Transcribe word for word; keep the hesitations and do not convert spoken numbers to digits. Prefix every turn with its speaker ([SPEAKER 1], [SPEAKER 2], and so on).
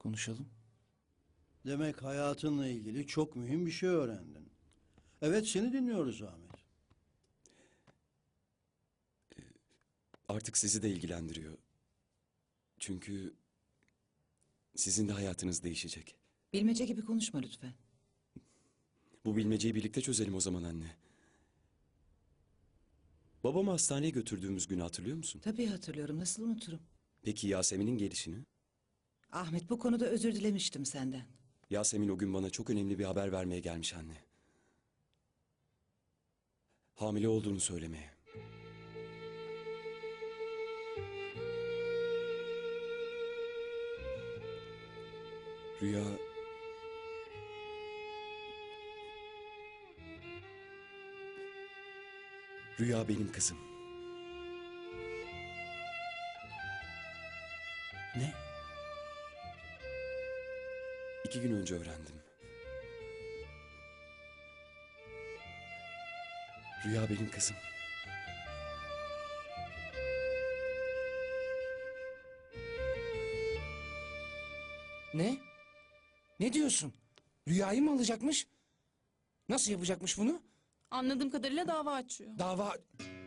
[SPEAKER 1] konuşalım.
[SPEAKER 2] Demek hayatınla ilgili çok mühim bir şey öğrendin. Evet, seni dinliyoruz Ahmet.
[SPEAKER 3] Artık sizi de ilgilendiriyor. Çünkü sizin de hayatınız değişecek.
[SPEAKER 4] Bilmece gibi konuşma lütfen.
[SPEAKER 3] Bu bilmeceyi birlikte çözelim o zaman anne. Babamı hastaneye götürdüğümüz günü hatırlıyor musun?
[SPEAKER 4] Tabii hatırlıyorum, nasıl unuturum.
[SPEAKER 3] Peki Yasemin'in gelişini?
[SPEAKER 4] Ahmet, bu konuda özür dilemiştim senden.
[SPEAKER 3] Yasemin o gün bana çok önemli bir haber vermeye gelmiş anne. Hamile olduğunu söylemeye. Rüya... Rüya benim kızım.
[SPEAKER 1] Ne?
[SPEAKER 3] İki gün önce öğrendim. Rüya benim kızım.
[SPEAKER 1] Ne? Ne diyorsun? Rüyayı mı alacakmış? Nasıl yapacakmış bunu?
[SPEAKER 5] Anladığım kadarıyla dava açıyor.
[SPEAKER 1] Dava...